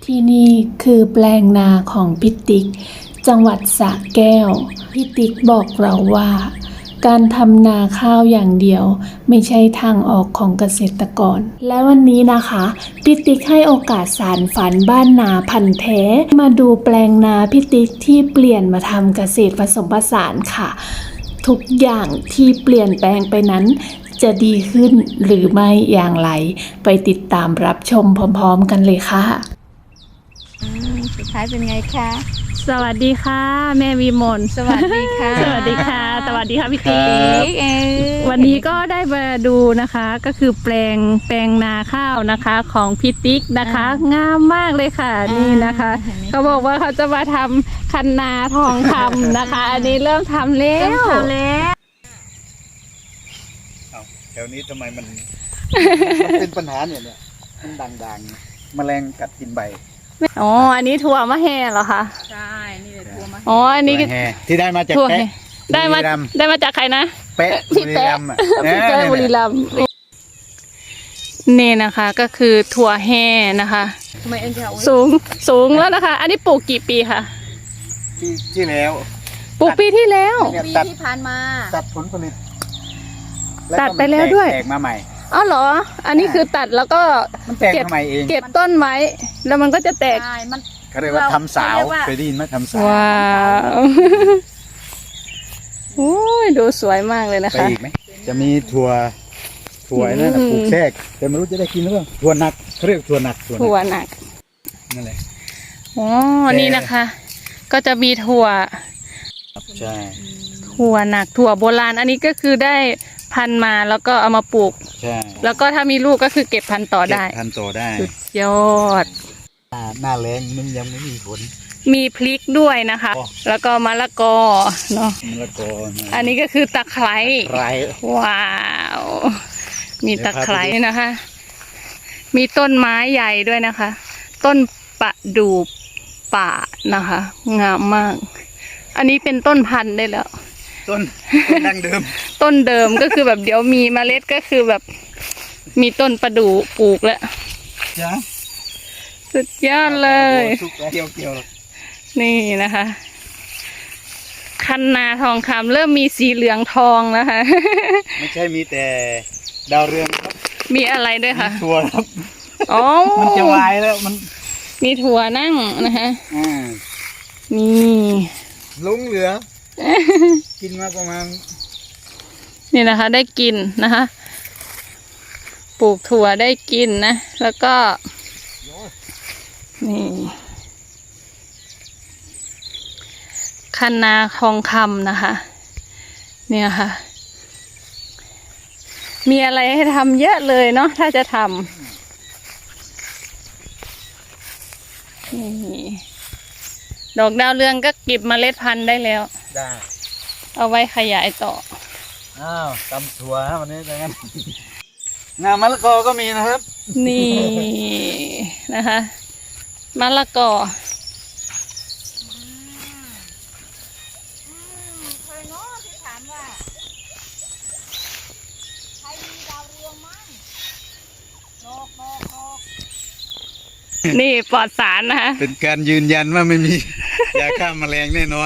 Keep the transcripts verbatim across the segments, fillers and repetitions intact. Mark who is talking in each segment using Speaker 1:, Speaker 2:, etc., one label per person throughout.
Speaker 1: ที่นี่คือแปลงนาของพิติกจังหวัดสระแก้วพิติกบอกเราว่าการทำนาข้าวอย่างเดียวไม่ใช่ทางออกของเกษตรกรและวันนี้นะคะพิติกให้โอกาสสานฝันบ้านนาพันธุ์แท้มาดูแปลงนาพิติกที่เปลี่ยนมาทำเกษตรผสมผสานค่ะทุกอย่างที่เปลี่ยนแปลงไปนั้นจะดีขึ้นหรือไม่อย่างไรไปติดตามรับชมพร้อมๆกันเลยค่ะ
Speaker 2: สุดท้ายเป็นไงคะ
Speaker 1: สวัสดีค่ะแม่วิมล
Speaker 2: สวัสดีค่ะ
Speaker 1: สวัสดีค่ะสวัสดีค่ะพี่ติ๊ก
Speaker 2: เออ
Speaker 1: วันนี้ก็ได้มาดูนะคะก็คือแปลงแปลงนาข้าวนะคะของพี่ติ๊กนะคะงามมากเลยค่ะนี่นะคะเขาบอกว่าเขาจะมาทำคันนาทองคำนะคะ อันนี้เริ่มทำแล้ว
Speaker 2: ทำแล้ว
Speaker 3: เอาแถวนี้ทำไมมัน มันเป็นปัญหาเนี่ยเนี่ยมันด่างๆแมลงกัดกินใบ
Speaker 1: อ๋ออันนี้ถั่วมะแฮเหรอคะ
Speaker 2: ใช่นี่เลยทัวร์มา
Speaker 1: อ๋ออันนี้
Speaker 3: ตัวแห่ที่ได้มาจาก
Speaker 1: ถั่ว
Speaker 3: แปะ
Speaker 1: แฮได้มา
Speaker 3: บุรีรัย์
Speaker 1: ได้มาจากใครนะ
Speaker 3: แปะ
Speaker 1: พี่แปะ
Speaker 3: บุรีรัมย์อะ
Speaker 1: พี่แปะบุรีรัมย์นี่นะคะก็คือถั่วแห่นะคะ
Speaker 2: ทำไมเอ็นจะเอา
Speaker 1: สูงสูงแล้วนะคะ อันนี้ปลูกกี่ปีคะ
Speaker 3: ที่ที่แล้ว
Speaker 1: ปลูกปีที่แล้ว
Speaker 3: เนี่ย
Speaker 2: ปี
Speaker 3: ตัด
Speaker 2: ที่ผ่านมา
Speaker 3: ตัดผลผลิต
Speaker 1: ตัดไปแล้วด้วย
Speaker 3: แตกมาใหม่
Speaker 1: อ๋อเหรอ อันนี้คือตัดแล้วก็
Speaker 3: มันแตกมาใหม่เอง
Speaker 1: เก็บต้นไว้ แล้วมันก็จะแตก
Speaker 2: ใช่มัน
Speaker 3: เขาเรียกว่าทำสาว
Speaker 2: เขาเรียกว่า
Speaker 3: เคยได้ยินไหมทำสาว
Speaker 1: ว้าวโอ้ยดูสวยมากเลยนะ
Speaker 3: ไป
Speaker 1: คะ
Speaker 3: อีกไหมจะมีถั่วถั่ว
Speaker 1: อืม
Speaker 3: นั่นน่ะปลูกแทรกแต่ไม่รู้จะได้กินหรือเปล่าถั่วหนักเขาเรียกถั่วหนักถั่วหนั
Speaker 1: ถั่ว
Speaker 3: ก
Speaker 1: หนัก
Speaker 3: นั่นแหละ
Speaker 1: อ๋อ
Speaker 3: แต่
Speaker 1: นี่นะคะ ก็จะมีถั่ว
Speaker 3: ใช่
Speaker 1: ถั่วหนัก ถั่วโบราณ อันนี้ก็คือได้พันธุ์มาแล้วก็เอามาปลูก
Speaker 3: ใช่
Speaker 1: แล้วก็ถ้ามีลูกก็คือเก็บพันธุ์ต่อได้
Speaker 3: เก็บพันธุ์ต่อได้
Speaker 1: สุดยอด
Speaker 3: หน้าหน้าแรงมันยังไม่มีผล
Speaker 1: มีพริกด้วยนะคะ
Speaker 3: อ๋อ
Speaker 1: แล้วก็มะละกอเนาะ
Speaker 3: มะละกอนะ
Speaker 1: อันนี้ก็คือตะไคร้
Speaker 3: ไร
Speaker 1: ว้าว มีตะไคร้นะคะ มีต้นไม้ใหญ่ด้วยนะคะ ต้นประดู่ป่านะคะ งามมาก อันนี้เป็นต้นพันธุ์ได้แล้ว
Speaker 3: ต้นต้นดั้งเดิม
Speaker 1: ต้นเดิมก็คือแบบเดี๋ยวมีเมล็ดก็คือแบบ มีต้นประดู่ปลูกแล้ว
Speaker 3: จ้ะ
Speaker 1: สุดยอดเลย
Speaker 3: สุกแล้วเกี่ยวเกี่ยว
Speaker 1: นี่นะคะ คันนาทองคำเริ่มมีสีเหลืองทองนะคะ
Speaker 3: ไม่ใช่มีแต่ดาวเรืองครับ
Speaker 1: มีอะไรด้วยคะ
Speaker 3: ถั่วครับ
Speaker 1: อ๋อ
Speaker 3: มันจะวายแล้วมัน
Speaker 1: มีถั่วนั่งนะคะ
Speaker 3: อ่า
Speaker 1: นี่
Speaker 3: ลุงเหลือ กินมาประมาณ
Speaker 1: นี่นะคะ ได้กินนะคะ ปลูกถั่วได้กินนะ แล้วก็ นี่คันนาทองคำนะคะ เนี่ยค่ะ มีอะไรให้ทำเยอะเลยเนาะถ้าจะทำนี่ดอกดาวเรืองก็เก็บเมล็ดพันธุ์ได้แล้ว
Speaker 3: ได้
Speaker 1: เอาไว้ขยายต่อ
Speaker 3: อ้าวตำถั่วฮะวันนี้ดังนั้น งามมะละกอก็มีนะครับ
Speaker 1: นี่นะคะมะละกอ
Speaker 2: เคยเนาะที่ถามว่าใครมีดาวเรืองมั่งดอกดอกดอก
Speaker 1: นี่ปลอดสารนะคะ
Speaker 3: เป็นการยืนยันว่าไม่มี ยาฆ่าแมลงแน่นอน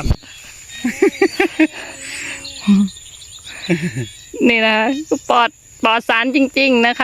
Speaker 1: นี่นะคะปลอดปลอดสารจริง ๆ นะคะ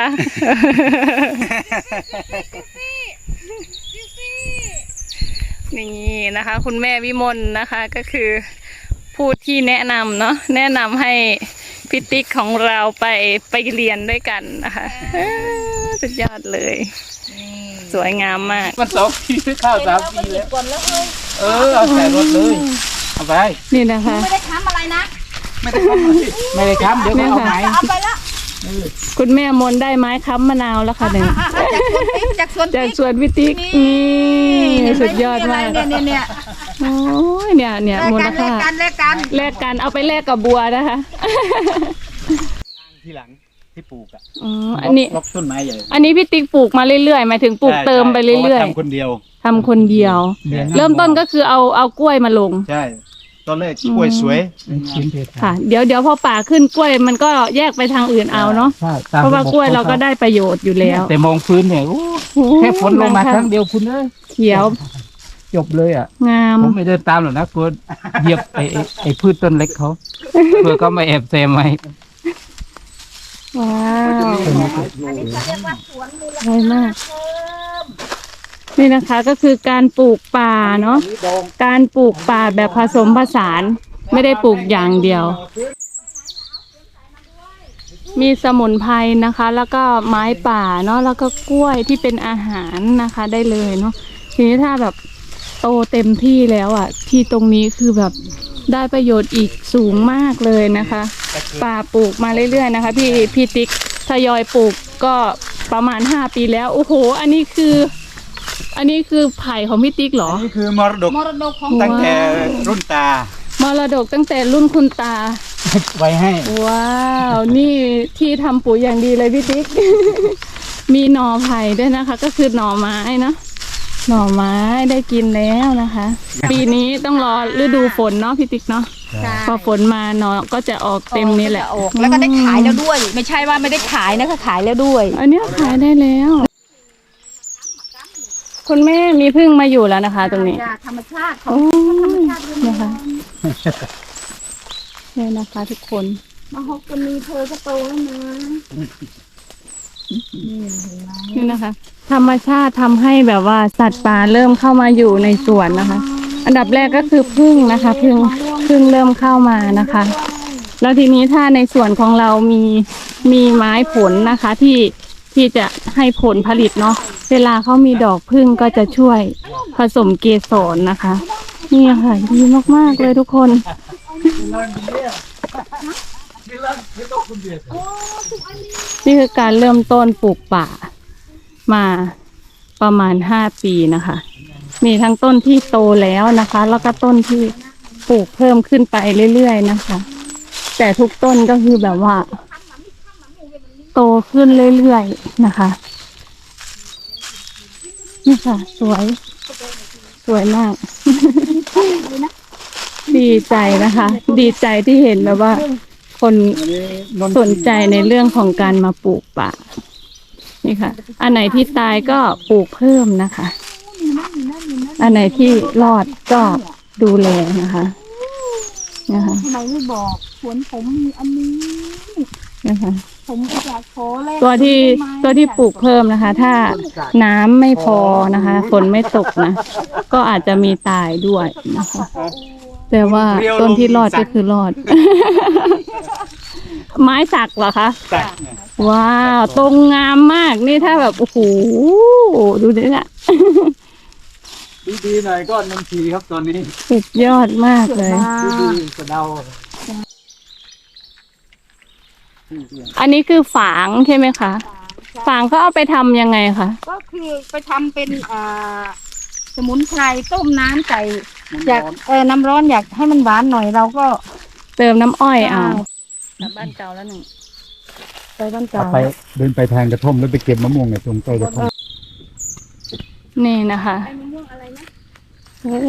Speaker 1: นี่นะคะ คุณแม่วิมลนะคะ ก็คือผู้ที่แนะนำเนาะแนะนำให้พิติกของเราไปไปเรียนด้วยกันนะคะสุดยอดเลย สวยงามมาก
Speaker 3: มันสองปีข้าวสามปี
Speaker 2: หยิ
Speaker 3: แล้
Speaker 2: บ
Speaker 3: ว
Speaker 2: ก่อนแล้วเฮ้ย
Speaker 3: เออเอาใส่รถเลยเอาไป
Speaker 1: นี่นะคะ
Speaker 2: ไม่ได้ค้ำอะไรนะ
Speaker 3: ไม่ได้ทำอะไรไม่ได้ทำเดี๋ยวเขาเอาไหม
Speaker 2: จะเอาไปละ
Speaker 1: คุณแม่มนได้ไม้ค้ำมะนาวแล้วค่ะหนึ่ง
Speaker 2: จากสวนพริก
Speaker 1: จากสวนพิติกนี่สุดยอดมาก
Speaker 2: เนี่ยเนี่ยเนี่ย
Speaker 1: โอ้ยเนี่ยเนี่ยมูลค่า
Speaker 2: แลกกันแลกกัน
Speaker 1: แลกกันเอาไปแลกกับบัวนะคะ
Speaker 3: ที่หลังที่ปลูกอ่ะ
Speaker 1: อ๋ออันนี้
Speaker 3: ล็อกต้นไม้ใหญ่
Speaker 1: อันนี้พี่ติ๊กปลูกมาเรื่อยๆหมายถึงปลูกเติมไปเรื่อย
Speaker 3: ๆทำคนเดียว
Speaker 1: ๆทำคนเดียว เริ่มต้นก็คือเอาเอากล้วยมาลง
Speaker 3: ใช่ตอนแรกกล้วยสวย
Speaker 1: ค่ะเดี๋ยวเดี๋ยวพอป่าขึ้นกล้วยมันก็แยกไปทางอื่นเอาเนาะ
Speaker 4: ใช่
Speaker 1: เพราะว่ากล้วยเราก็ได้ประโยชน์อยู่แล้ว
Speaker 4: แต่มองพื้นเนี่ยโอ้แค่ฝนลงมาครั้งเดียวคุณเอ้ย
Speaker 1: เขียว
Speaker 4: จบเลยอ่ะ
Speaker 1: งาม
Speaker 4: ผมไม่เดินตามหรอกนะกลัวเหยียบไอ้ไอ้ไอ้พืชต้นเล็กเขาเพื่อก็มาแอบแซมไว้
Speaker 1: ว้าว
Speaker 2: อันนี้เขาเรียกว่าสวนมูล
Speaker 1: สวยมาก
Speaker 2: เพิ่ม
Speaker 1: นี่นะคะก็คือการปลูกป่าเนาะการปลูกป่าแบบผสมผสานไม่ได้ปลูกอย่างเดียว มีสมุนไพรนะคะ แล้วก็ไม้ป่าเนาะแล้วก็กล้วยที่เป็นอาหารนะคะได้เลยเนาะทีนี้ถ้าแบบโตเต็มที่แล้วอ่ะที่ตรงนี้คือแบบได้ประโยชน์อีกสูงมากเลยนะคะ ป่าปลูกมาเรื่อยๆนะคะ พี่พี่ติ๊กทยอยปลูกก็ประมาณห้าปีแล้วโอ้โหอันนี้คือ อันนี้คือไผ่ของพี่ติ๊กเหรอ
Speaker 3: อันนี้คือมรดก
Speaker 2: มรดกของ
Speaker 3: ตั้งแต่รุ่นตา
Speaker 1: มรดกตั้งแต่รุ่นคุณตา
Speaker 4: ไว้ให้
Speaker 1: ว้าว นี่ที่ทำปุ๋ยอย่างดีเลยพี่ติ๊ก มีหน่อไผ่ด้วยนะคะ ก็คือหน่อไม้เนาะหน่อไม้ได้กินแล้วนะคะ ปีนี้ต้องรอฤดูฝนเนาะพี่ติ๊กเนาะ
Speaker 2: ใช่
Speaker 1: พอฝนมาหน่อก็จะออกเต็มนี่แหละ
Speaker 2: ออกแล้วก็ได้ขายแล้วด้วย ไม่ใช่ว่าไม่ได้ขายนะก็ขายแล้วด้วย
Speaker 1: อันเนี้ยขายได้แล้ว คุณแม่มีพึ่งมาอยู่แล้วนะคะ ตรงนี้
Speaker 2: ธรรมชาติของ
Speaker 1: โอ้
Speaker 2: ธรรม
Speaker 1: ย
Speaker 2: ชาติเรื่อง
Speaker 1: นะคะเนี่ยนะคะทุกคน
Speaker 2: มาฮอกกันมีเธอก็โตแล้วนะ
Speaker 1: นี่นะคะ ธรรมชาติทำให้แบบว่าสัตว์ป่าเริ่มเข้ามาอยู่ในสวนนะคะ อันดับแรกก็คือพึ่งนะคะพึ่งพึ่งเริ่มเข้ามานะคะ แล้วทีนี้ถ้าในส่วนของเรามีมีไม้ผลนะคะ ที่ที่จะให้ผลผลิตเนาะเวลาเขามีดอกพึ่งก็จะช่วยผสมเกสรนะคะ นี่ค่ะดีมากๆเลยทุกคน นี่คือการเริ่มต้นปลูกป่ามาประมาณห้าปีนะคะ มีทั้งต้นที่โตแล้วนะคะ แล้วก็ต้นที่ปลูกเพิ่มขึ้นไปเรื่อยๆนะคะ แต่ทุกต้นก็คือแบบว่า โตขึ้นเรื่อยๆนะคะ นี่ค่ะ สวย สวยมาก ดีใจนะคะ ดีใจที่เห็นแบบว่า คนสนใจในเรื่องของการมาปลูกป่า นี่ค่ะ อันไหนที่ตายก็ปลูกเพิ่มนะคะ อันไหนที่รอดก็ดูแลนะคะนะคะ
Speaker 2: ทำไมไม่บอกสวนผมมีอันนี้
Speaker 1: นะคะ
Speaker 2: ผมอยากขอแลก
Speaker 1: ตัวที่
Speaker 2: ได้ไหม
Speaker 1: ตัวที่ปลูกเพิ่มนะคะ ถ้าน้ำไม่พอนะคะฝนไม่ตกนะ ก็อาจจะมีตายด้วยนะคะ แต่ว่าต้นที่รอดก็คือรอด ไม้สักเหรอคะ
Speaker 3: ตัก
Speaker 1: ว้าวตรงงามมากนี่ถ้าแบบโอ้โหดูดิเนี่ย
Speaker 3: ดีๆหน่อยก็นมทีครับตอนนี้
Speaker 1: สุดยอดมากเลย
Speaker 3: ดีๆกระเดา
Speaker 1: อันนี้คือฝางใช่ไหมคะ ฝางเขาเอาไปทำยังไงคะ
Speaker 2: ก็คือไปทำเป็นอ่าสมุนไพรต้มน้ำใส่อยากเออน้ำร้อนอยากให้มันหวานหน่อยเราก็
Speaker 1: เติมน้ำอ้อยเอากลับบ้านเก่าแล้วหนึ่ง
Speaker 2: ไปบ้านเก่า
Speaker 3: ไปเดินไปทางกระท่อมแล้วไปเก็บมะม่วงในตรงใต้กระท่อม
Speaker 1: นี่นะคะ
Speaker 2: ไอ้มะม่วงอะไรนะ
Speaker 1: โอ้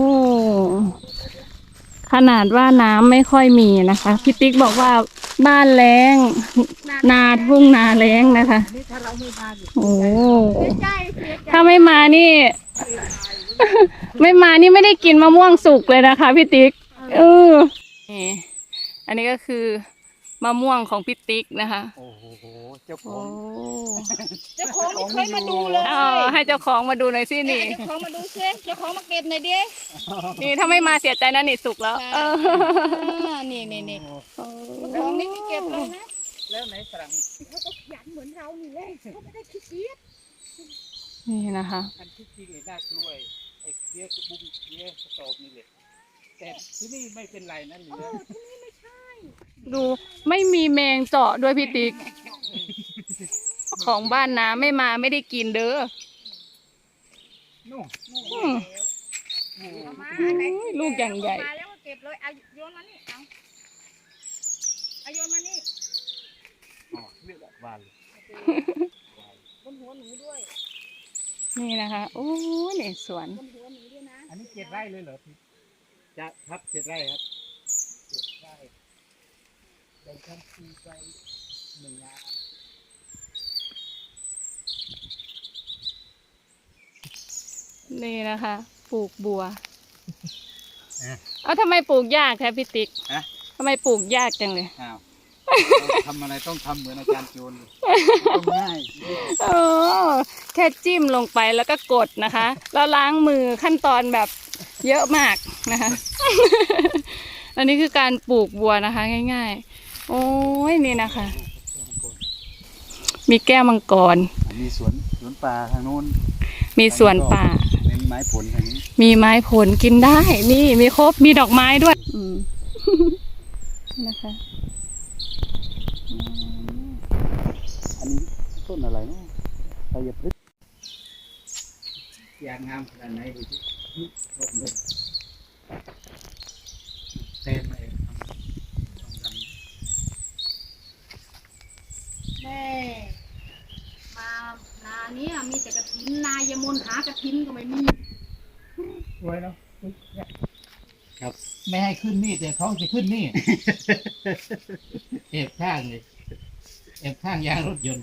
Speaker 1: ขนาดว่าน้ำไม่ค่อยมีนะคะพี่ติ๊กบอกว่าบ้านแล้ง นาทุ่งนาแล้งนะคะ
Speaker 2: นี่ถ้าเราไม่มาอยู่
Speaker 1: โอ้
Speaker 2: เสียใจเสียใจ
Speaker 1: ถ้าไม่มานี่ ไม่มานี่ไม่ได้กินมะม่วงสุกเลยนะคะพี่ติ๊กเออนี่อันนี้ก็คือมะม่วงของพี่ติ๊กนะคะ
Speaker 3: โอ้โหเจ้าข
Speaker 1: โอ้
Speaker 3: อง
Speaker 2: เจ้าของไม่เคยมาดูเลย
Speaker 1: เอาให้เจ้าของมาดูหน่อยสินี่
Speaker 2: เจ้าของมาดูซิเจ้าของมาเก็บหน่อยดิ
Speaker 1: นี่ถ้าไม่มาเสียใจนะนี่สุกแล้วเออ
Speaker 2: อ่านี่นี่นี่เจ้าของนี่ไม่เก็บเลยนะ
Speaker 3: แล้วไหนฝรั่ง
Speaker 2: เขาก็ขยันเหมือนเรานี่เลยเขาไม่ได้ขี้เกียจ
Speaker 1: นี่นะคะ
Speaker 3: อันที่จริงไอ้น่ากล้วยไอ้เลี้ยกบุ้งเลี้ยกระสอบนี่แหละแต่ที่นี่ไม่เป็นไรนะเหลือ
Speaker 1: ดูไม่มีแมงเจาะด้วยพี่ติ๊ก ของบ้านนะไม่มาไม่ได้กินเด้อ
Speaker 3: นู่น
Speaker 1: อืม
Speaker 2: เอามา
Speaker 1: อืม
Speaker 2: ไหน
Speaker 1: ลูกอย่างใหญ่
Speaker 2: เอมาแล้วก็เก็บเลยเอาโยนมานี่เอาเอาโยนมานี่
Speaker 3: อ๋อเลือกอะบานเลย
Speaker 2: บนหัวหนูด้วย
Speaker 1: นี่นะคะโอ้ยนี่สวน
Speaker 2: บนหัวหนูด้วยนะ
Speaker 3: อันนี้เจ็ดไร่เลยเหรอพี่จะครับเจ็ดไร่ครับได้ได้ทันทีไปหนึ่งงาน
Speaker 1: นี่นะคะปลูกบัว
Speaker 3: เอ๊ะ
Speaker 1: เอาทำไมปลูกยากแท้พี่ติ๊ก
Speaker 3: ฮะ
Speaker 1: ทำไมปลูกยากจังเลย
Speaker 3: อ้าวเราทำอะไรต้องทำเหมือนอาจารย์โจรเลยต้องง่าย
Speaker 1: โอ้แค่จิ้มลงไปแล้วก็กดนะคะ แล้วล้างมือขั้นตอนแบบเยอะมากนะคะ อันนี้คือการปลูกบัวนะคะ ง่ายๆ โอ้ยนี่นะคะ มีแก้วมังกร
Speaker 3: มีสวนสวนป่าทางโน้น
Speaker 1: มีสวนป่า
Speaker 3: เป็นไม้ผลทางนี้
Speaker 1: มีไม้ผลกินได้ นี่มีครบ มีดอกไม้ด้วย อืม นะคะอืม
Speaker 3: อันนี้ต้นอะไรเนาะไทยพฤกษ์ยางงามขนาดไหนดูสิต้นเลยเต็มเลยต้องทำ
Speaker 2: แม่มานาเนี้ยมีแต่กระถินนายมนหากระถินก็ไม่มี
Speaker 3: สวยเนาะครับ
Speaker 4: ไม่ให้ขึ้นนี่แต่เขาจะขึ้นนี่ เอบข้างเลยเอบข้างยางรถยนต์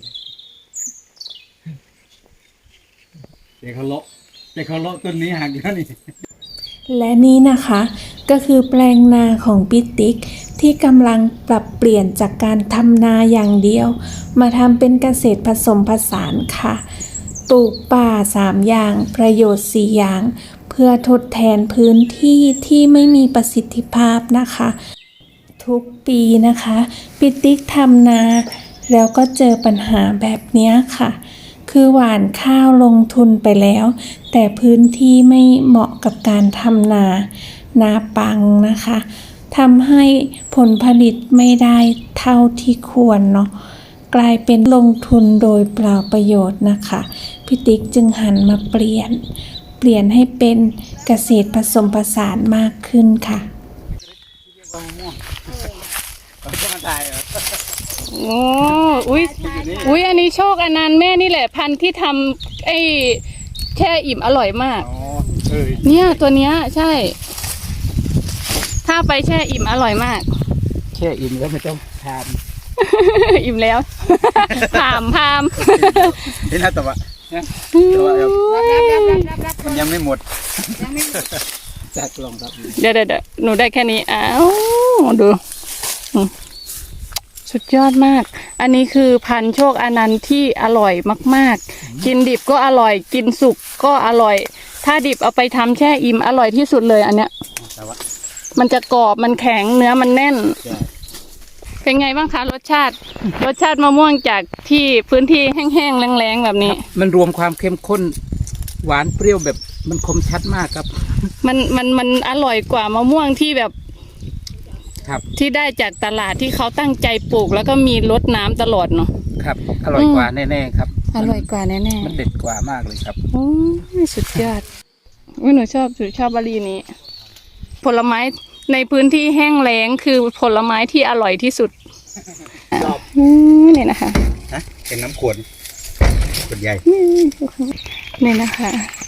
Speaker 3: เดี๋ยวเขาเลาะเดี๋ยวเขาเลาะต้นนี้หักแล้วนี่
Speaker 1: และนี่นะคะก็คือแปลงนาของปิติ๊กที่กำลังปรับเปลี่ยนจากการทำนาอย่างเดียว มาทำเป็นเกษตรผสมผสานค่ะ ปลูกป่าสามอย่างประโยชน์สี่อย่าง เพื่อทดแทนพื้นที่ที่ไม่มีประสิทธิภาพนะคะ ทุกปีนะคะปิติ๊กทำนา แล้วก็เจอปัญหาแบบนี้ค่ะ คือหว่านข้าวลงทุนไปแล้ว แต่พื้นที่ไม่เหมาะกับการทำนา นาปังนะคะทำให้ผลผลิตไม่ได้เท่าที่ควรเนาะกลายเป็นลงทุนโดยเปล่าประโยชน์นะคะพี่ติ๊กจึงหันมาเปลี่ยน เปลี่ยนให้เป็นเกษตรผสมผสานมากขึ้นค่ะ
Speaker 3: เรียกว่ามะม่วงมันก็มาตายเหรอ
Speaker 1: โอ้อุ้ยอุ้ยอันนี้โชคอนันต์แม่นี่แหละพันธุ์ที่ทำไอ้แช่อิ่มอร่อยมาก
Speaker 3: อ๋อเออ
Speaker 1: เนี่ยตัวเนี้ยใช่ ถ้าไปแช่อิ่มอร่อยมาก
Speaker 3: แช่อิ่มแล้วไม่ต้องทาน
Speaker 1: อิ่มแล้ว พามพาม
Speaker 3: นี่นะแต่ว่านะแต่ว่าแบบมันยังไม่หมด
Speaker 2: ยังไม่
Speaker 3: จากกล่องครับ
Speaker 1: เดี๋ยวเดี๋ยวเดี๋ยวหนูได้แค่นี้อ้าวดูอืมสุดยอดมาก อันนี้คือพันธุ์โชคอนันต์ที่อร่อยมากๆ กินดิบก็อร่อย กินสุกก็อร่อย ถ้าดิบเอาไปทำแช่อิ่มอร่อยที่สุดเลยอันเนี้ย
Speaker 3: แต่ว่า
Speaker 1: มันจะกรอบมันแข็งเนื้อมันแน่น
Speaker 3: ใช่
Speaker 1: เป็นไงบ้างคะรสชาติ รสชาติมะม่วงจากที่พื้นที่แห้งๆแรงๆแบบนี้
Speaker 4: มันรวมความเข้มข้นหวานเปรี้ยวแบบมันคมชัดมากครับ
Speaker 1: มันมันมันอร่อยกว่ามะม่วงที่แบบ
Speaker 4: ครับ
Speaker 1: ที่ได้จากตลาดที่เขาตั้งใจปลูก แล้วก็มีรดน้ำตลอดเนาะ
Speaker 4: ครับ อร่อยกว่าแน่ๆครับ
Speaker 1: อร่อยกว่าแน่
Speaker 4: มันเด็ดกว่ามากเลยครับ
Speaker 1: ๆโอ้ยสุดยอดอุ้ยหนูชอบหนูชอบบารีนี้ ผลไม้ในพื้นที่แห้งแล้งคือผลไม้ที่อร่อยที่สุด
Speaker 3: ชอบ
Speaker 1: อืมนี่นะคะ
Speaker 3: นะเป็นน้ำขวดขวดใหญ่
Speaker 1: นี่นะคะ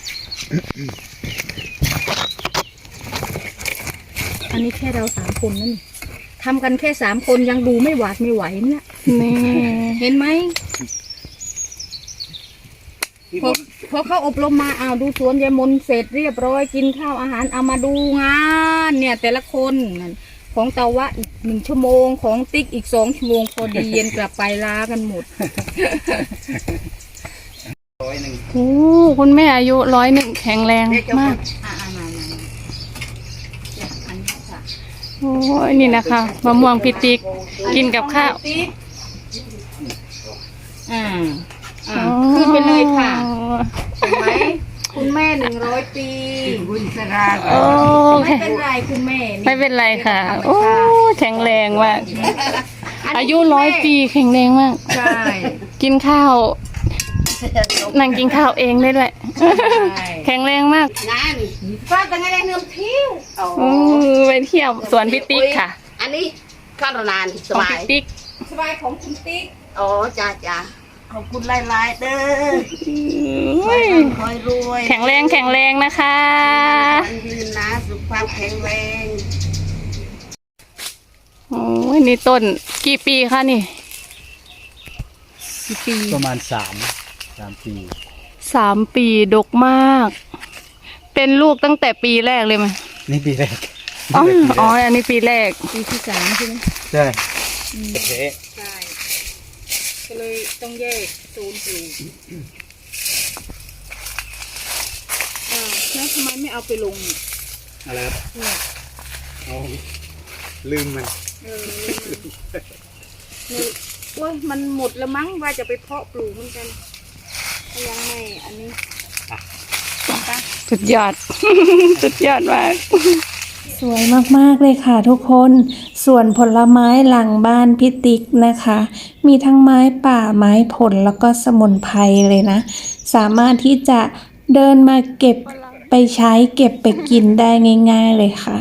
Speaker 2: อันนี้แค่เราสามคนนั่นนี่ทำกันแค่สามคนยังดูไม่หวาดไม่ไหวเนี่ย
Speaker 1: นี่
Speaker 2: เห็นไหม
Speaker 3: ที่
Speaker 2: พ
Speaker 3: บ
Speaker 2: อน พอเขาอบรมมาอ้าวดูสวนยายมนเสร็จเรียบร้อยกินข้าวอาหารเอามาดูงานเนี่ย แต่ละคนนั่นของเตาวะอีกหนึ่งชั่วโมงของติ๊กอีกสองชั่วโมงพอดีเย็นกลับไปลากันหมด
Speaker 3: ร้อยหนึ่ง
Speaker 1: โอ้คุณแม่อายุร้อยหนึ่งแข็งแรงมาก
Speaker 2: อ่ามามามาเนี่ยอันนี้ค่ะ
Speaker 1: โอ้ยนี่นะคะมะม่วงพิติกกินกับข้าว
Speaker 2: ติ๊กอ่าอ่าขึ้นไปเลยค่ะเห็นไหมคุณแม่หนึ่งร้อยปี
Speaker 3: บุญสรา
Speaker 1: โอ้
Speaker 2: ไม่เป็นไรคุณแม่
Speaker 1: ไม่เป็นไรค่ะ โอ้แข็งแรงมาก
Speaker 2: นนี้
Speaker 1: อายุร้อยปีแข็งแรงมาก
Speaker 2: ใช่
Speaker 1: กินข้าวนั่งกินข้าวเองได้ด้วย แข็งแรงมาก
Speaker 2: งานฟ้าตั้งไงได้เนื้อผิว
Speaker 1: โอ้ไปเที่ยวสวนพิติกค่ะ
Speaker 5: อันนี้ข้าวนานส
Speaker 1: ของ
Speaker 5: บา
Speaker 1: พิ
Speaker 5: ย
Speaker 1: ติก
Speaker 2: สบายของคุณติ๊ก
Speaker 5: โอ้จ้าจ้าขอบคุณหลายๆเด้อ
Speaker 1: โอ้ย
Speaker 5: คอยรวย
Speaker 1: แข็งแรงแข็งแรงนะคะ
Speaker 5: วันยืนนะสุขภาพแข็งแรง
Speaker 1: โอ้ยนี่ต้นกี่ปีคะนี่กี่ปี
Speaker 3: ประมาณสามสามปี
Speaker 1: สามปีดกมาก เป็นลูกตั้งแต่ปีแรกเลยไหม
Speaker 3: นี่ปีแรก
Speaker 1: อ๋อ
Speaker 3: นี่ปีแรก
Speaker 1: อ๋ออันนี้ปีแรก
Speaker 2: ปีที่สามใช่ไหม
Speaker 3: ใช่เท
Speaker 2: ใช่ก็เลยต้องแยกโซนปลูกอ่าแล้วทำไมไม่เอาไปลงเนี่ย
Speaker 3: อะไรครับ
Speaker 2: เนี่ย
Speaker 3: เอาลืมมัน
Speaker 2: เออนี่โอ้ยมันหมดแล้วมั้งว่าจะไปเพาะปลูกเหมือนกันก็ยังไม่อันนี้ปะ
Speaker 1: สุดยอด สุดยอดมาก สวยมากๆเลยค่ะทุกคน ส่วนผลไม้หลังบ้านพี่ติ๊กนะคะ มีทั้งไม้ป่าไม้ผลแล้วก็สมุนไพรเลยนะ สามารถที่จะเดินมาเก็บไปใช้เก็บไปกินได้ง่ายๆเลยค่ะ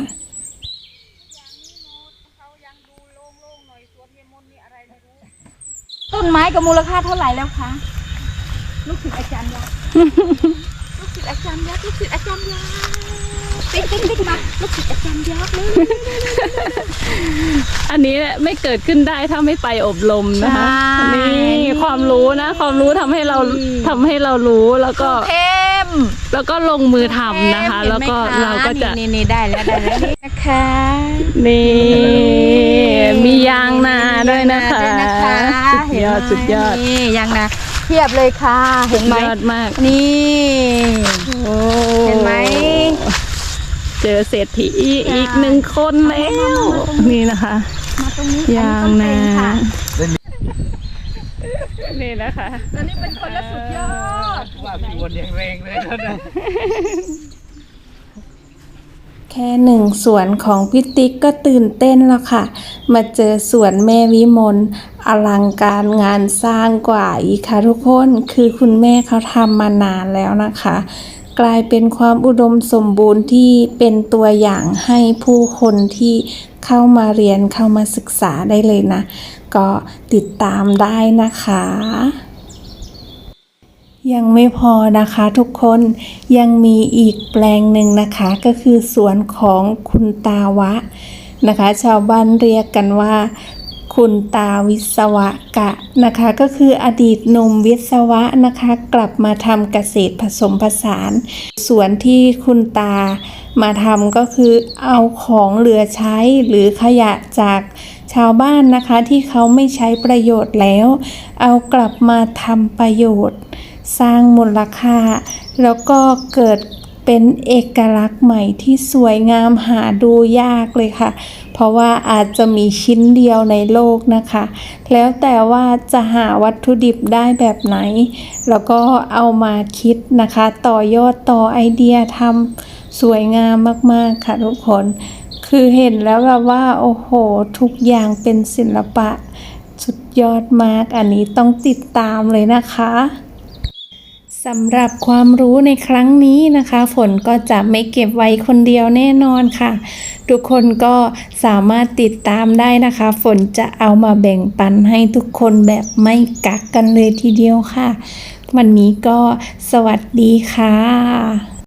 Speaker 2: ต้นไม้กับมูลค่าเท่าไหร่แล้วคะลูกศิษย์อาจารย์ยักษ์ ลูกศิษย์อาจารย์ยักษ์ลูกศิษย์อาจารย์ยักษ์ติ๊กติ๊กติ๊กมาลูกศิษย์อาจารย์ยักษ์เลย
Speaker 1: อันนี้ไม่เกิดขึ้นได้ถ้าไม่ไปอบรมนะคะ
Speaker 2: ใช่
Speaker 1: นี่ความรู้นะ ความรู้ทำให้เราทำให้เรารู้แล้วก็
Speaker 2: เข้ม
Speaker 1: แล้วก็ลงมือทำนะคะ แล้วก็เราก็จะ
Speaker 2: นี่นี่ได้แล้วได้แล้วนี่นะคะ
Speaker 1: นี่มียางนาด้วยนะคะ
Speaker 2: ด้วยนะคะ
Speaker 1: สุดยอดสุดยอด
Speaker 2: นี่ยางนาเทียบเลยค่ะเห็นไหม
Speaker 1: ยอดมาก
Speaker 2: นี่
Speaker 1: โอ้
Speaker 2: เห็นไหม
Speaker 1: เจอเศรษฐีอีกหนึ่งคนแล้วนี่นะคะ
Speaker 2: มาตรงนี้
Speaker 1: ยางนา
Speaker 2: อันนี้ต้นเต็งค่ะ
Speaker 1: นี่นะคะ
Speaker 2: ตอนนี้เป็นคนละสุดยอด
Speaker 3: ว่าพี่วนยังแรงเลยนะ
Speaker 1: แค่หนึ่งสวนของพี่ติ๊กก็ตื่นเต้นแล้วค่ะ มาเจอสวนแม่วิมลอลังการงานสร้างกว่าอีกค่ะทุกคนคือคุณแม่เขาทำมานานแล้วนะคะ กลายเป็นความอุดมสมบูรณ์ที่เป็นตัวอย่างให้ผู้คนที่เข้ามาเรียนเข้ามาศึกษาได้เลยนะ ก็ติดตามได้นะคะ ยังไม่พอนะคะทุกคนยังมีอีกแปลงหนึ่งนะคะก็คือสวนของคุณตาวะนะคะ ชาวบ้านเรียกกันว่าคุณตาวิศวกะนะคะก็คืออดีตหนุ่มวิศวะนะคะกลับมาทำเกษตรผสมผสานสวนที่คุณตามาทำก็คือเอาของเหลือใช้หรือขยะจากชาวบ้านนะคะที่เขาไม่ใช้ประโยชน์แล้วเอากลับมาทำประโยชน์สร้างมูลค่าแล้วก็เกิดเป็นเอกลักษณ์ใหม่ที่สวยงามหาดูยากเลยค่ะเพราะว่าอาจจะมีชิ้นเดียวในโลกนะคะแล้วแต่ว่าจะหาวัตถุดิบได้แบบไหนแล้วก็เอามาคิดนะคะต่อยอดต่อไอเดียทำสวยงามมากๆค่ะทุกคนคือเห็นแล้วแบบว่าโอ้โหทุกอย่างเป็นศิลปะสุดยอดมากอันนี้ต้องติดตามเลยนะคะสำหรับความรู้ในครั้งนี้นะคะฝนก็จะไม่เก็บไว้คนเดียวแน่นอนค่ะทุกคนก็สามารถติดตามได้นะคะฝนจะเอามาแบ่งปันให้ทุกคนแบบไม่กักกันเลยทีเดียวค่ะวันนี้ก็สวัสดีค่ะ